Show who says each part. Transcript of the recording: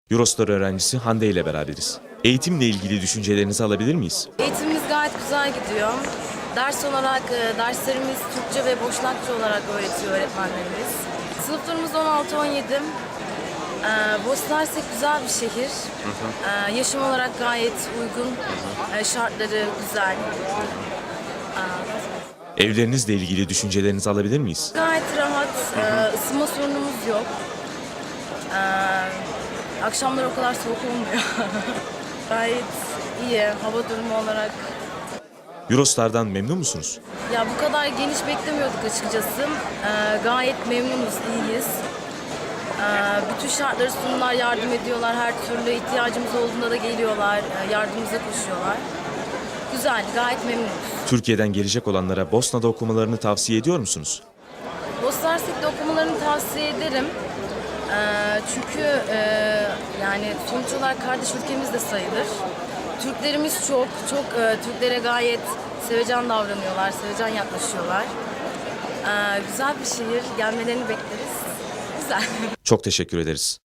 Speaker 1: Eurostar öğrencisi Hande ile beraberiz. Eğitimle ilgili düşüncelerinizi alabilir miyiz?
Speaker 2: Eğitimimiz gayet güzel gidiyor. Ders olarak derslerimiz Türkçe ve Boşnakça olarak öğretiyor öğretmenlerimiz. Sınıflarımız 16-17. Bosna Hersek güzel bir şehir. Yaşam olarak gayet uygun. Şartları güzel.
Speaker 1: Evlerinizle ilgili düşüncelerinizi alabilir miyiz?
Speaker 2: Gayet rahat. Isınma sorunumuz yok. Akşamlar o kadar soğuk olmuyor. Gayet iyi hava durumu olarak.
Speaker 1: Eurostar'dan memnun musunuz?
Speaker 2: Ya bu kadar geniş beklemiyorduk açıkçası. Gayet memnunuz, iyiyiz. Bütün şartları sunumlar, yardım ediyorlar. Her türlü ihtiyacımız olduğunda da geliyorlar, yardımımıza koşuyorlar. Güzel, gayet memnunuz.
Speaker 1: Türkiye'den gelecek olanlara Bosna'da okumalarını tavsiye ediyor musunuz?
Speaker 2: Bosna Hersek'te okumalarını tavsiye ederim. Çünkü yani sonuç olarak kardeş ülkemiz de sayılır. Türklerimiz çok Türklere gayet sevecen davranıyorlar, sevecen yaklaşıyorlar. Güzel bir şehir, gelmelerini bekleriz. Güzel.
Speaker 1: Çok teşekkür ederiz.